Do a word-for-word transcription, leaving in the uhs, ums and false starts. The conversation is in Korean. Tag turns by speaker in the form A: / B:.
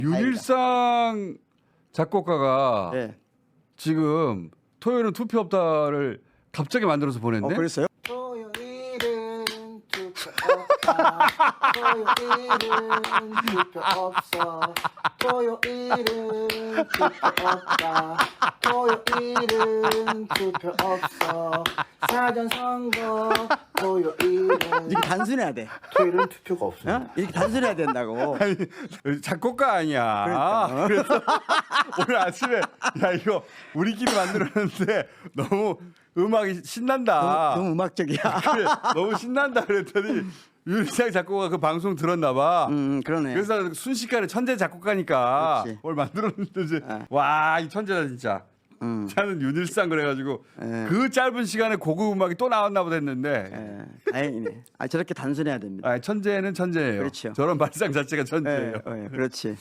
A: 윤일상 작곡가가
B: 네.
A: 지금 토요일은 투표 없다를 갑자기 만들어서 보냈네.
B: 어, 그랬어요?
C: 토요일은 투표 없다. 토요일은 투표 없어. 토요일은 투표 없다. 토요일은 투표 없어. 사전 선거 토요일은
B: 이렇게 단순해야 돼.
C: 토요일은 투표가 없어.
B: 어? 이렇게 단순해야 된다고.
A: 아니, 작곡가 아니야.
B: 그러니까.
A: 그래서 오늘 아침에 야 이거 우리끼리 만들었는데 너무 음악이 신난다.
B: 너무, 너무 음악적이야.
A: 그래, 너무 신난다 그랬더니 윤일상 작곡가 그 방송 들었나 봐.
B: 음, 그러네.
A: 그래서 순식간에 천재 작곡가니까
B: 그렇지.
A: 뭘 만들었는데 이제
B: 아.
A: 와 이 천재다 진짜.
B: 음.
A: 저는 윤일상 그래가지고
B: 예.
A: 그 짧은 시간에 고급 음악이 또 나왔나 보다 했는데
B: 예, 다행이네. 아, 저렇게 단순해야 됩니다.
A: 아, 천재는 천재예요.
B: 그렇죠.
A: 저런 발상 자체가 천재예요.
B: 예, 예, 그렇지.